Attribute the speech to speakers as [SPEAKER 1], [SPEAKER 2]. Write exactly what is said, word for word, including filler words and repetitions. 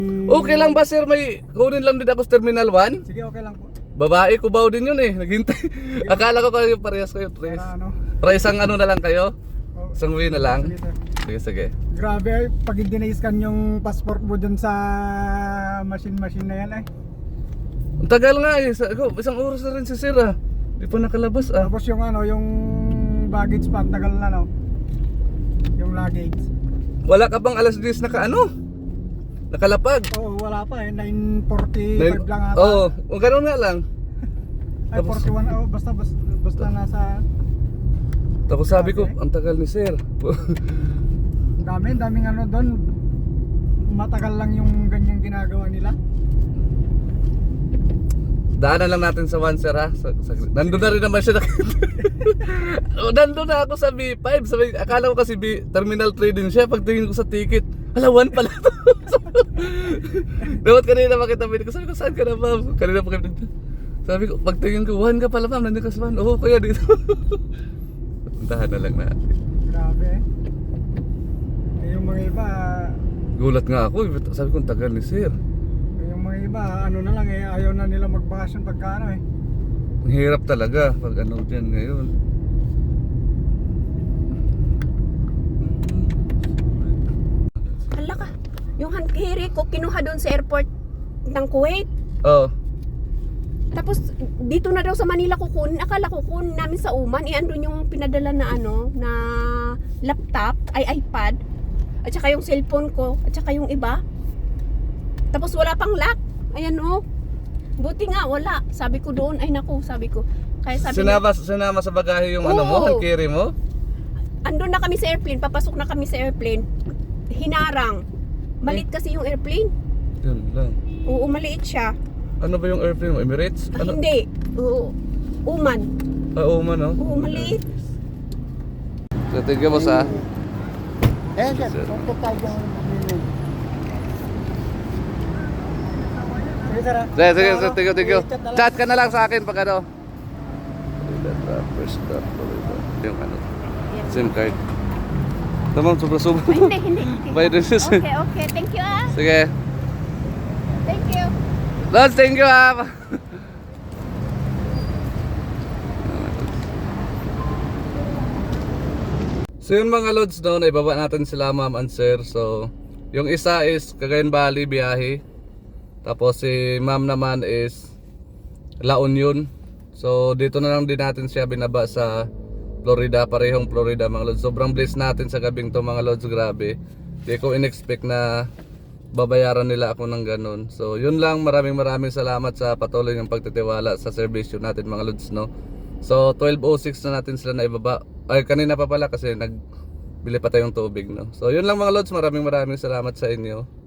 [SPEAKER 1] Okay lang ba sir, may kunin lang din ako sa Terminal one?
[SPEAKER 2] Sige, okay lang po.
[SPEAKER 1] Babae ko ba din yun eh, naghintay. Akala ko kayo parehas kayo, Tres.
[SPEAKER 2] Para ano.
[SPEAKER 1] Para isang ano na lang kayo?
[SPEAKER 2] Oh,
[SPEAKER 1] Isang way na lang?
[SPEAKER 2] sige, sir.
[SPEAKER 1] Sige, sige.
[SPEAKER 2] Grabe, pag hindi na-scan yung passport mo dun sa machine-machine na yan eh.
[SPEAKER 1] Ang tagal nga eh, Sa- ako, isang oras na rin si sir ah. Di pa nakalabas ah.
[SPEAKER 2] Tapos yung ano, yung baggage pa, ang tagal na no. Yung luggage.
[SPEAKER 1] Wala ka bang alas diyes naka ano? Nakalapag?
[SPEAKER 2] Oo, wala pa eh, nine forty-five lang ata.
[SPEAKER 1] Oo, oh, ganun nga lang.
[SPEAKER 2] Ay,
[SPEAKER 1] tapos-
[SPEAKER 2] forty-one, oh, basta, basta, basta nasa,
[SPEAKER 1] Tapos sabi ko,
[SPEAKER 2] Okay.
[SPEAKER 1] ang tagal ni sir.
[SPEAKER 2] ang dami, daming ano doon. Matagal lang yung ganyang ginagawa nila.
[SPEAKER 1] Daanan lang natin sa one sir ha. Sa, sa, nandun na rin naman siya. Oh, nandun na ako sa B five. Sabi, akala ko kasi B, Terminal three din siya. Pagtingin ko sa ticket, hala one pala to. Dapat kanina makita mo ko. Sabi ko, saan ka na ma'am? Kanina pa kayo nandun. Sabi ko, pagtingin ko, one ka pala ma'am. Nandun ka sa one. Oo, kaya dito. Puntahan na lang natin.
[SPEAKER 2] Grabe eh. Eh, yung mga iba,
[SPEAKER 1] Gulat nga ako. Sabi ko, ang tagal ni sir.
[SPEAKER 2] yung mga iba, ano na lang eh, ayaw na nila magbakasyon pagka ano eh.
[SPEAKER 1] Ang hirap talaga pag ano dyan ngayon.
[SPEAKER 3] Hala ka, yung handkerry ko kinuha doon sa airport ng Kuwait.
[SPEAKER 1] Oh,
[SPEAKER 3] Tapos dito na daw sa Manila kukunin. Akala kukunin namin sa Uman. Eh andun yung pinadala na ano, na laptop, ay iPad. At saka yung cellphone ko, at saka yung iba. Tapos wala pang lock. Ayan oh. Buti nga wala. Sabi ko doon, ay naku, sabi ko. Kaya sabi
[SPEAKER 1] sinama, sinama sa bagahe yung ano mo,
[SPEAKER 3] Oo.
[SPEAKER 1] handkerry mo?
[SPEAKER 3] andun na kami sa airplane, papasok na kami sa airplane. Hinarang. Maliit kasi yung airplane.
[SPEAKER 1] Yun lang.
[SPEAKER 3] Oo, maliit siya.
[SPEAKER 1] Ano ba yung airplane mo? Emirates?
[SPEAKER 3] Ah,
[SPEAKER 1] Ano?
[SPEAKER 3] hindi. Oo. Uman.
[SPEAKER 1] Ah, Oman, no?
[SPEAKER 3] Oo, maliit.
[SPEAKER 1] So, thank you, boss, ha?
[SPEAKER 2] Eh,
[SPEAKER 1] sir,
[SPEAKER 2] punta tayo Sige, sir. ah.
[SPEAKER 1] Sige, sige,
[SPEAKER 2] Ano,
[SPEAKER 1] sige, thank you, thank you.
[SPEAKER 2] i-chat na lang.
[SPEAKER 1] Chat ka na lang sa akin pag ano. First stop, yung ano, SIM card. Tamam, sobra-sobra.
[SPEAKER 3] Ay, hindi, hindi. hindi.
[SPEAKER 1] Bye, Dennis.
[SPEAKER 3] Okay, okay. Thank you, ah.
[SPEAKER 1] Sige.
[SPEAKER 3] Thank you.
[SPEAKER 1] Lods, thank you, ha? So yun mga Lods, no, naibaba natin sila ma'am and sir. So yung isa is Cagayan Valley biyahe. Tapos si ma'am naman is La Union. So dito na lang din natin siya binaba sa Florida, parehong Florida mga Lods. Sobrang blessed natin sa gabing to mga Lods, grabe. Hindi ko in-expect na babayaran nila ako ng ganun. So yun lang, maraming maraming salamat sa patuloy ng pagtitiwala sa servisyo natin mga Lods, no. So twelve oh six na natin sila na ibaba. Ay kanina pa pala kasi nagbili pa tayong tubig, no. So yun lang mga Lods, maraming maraming salamat sa inyo.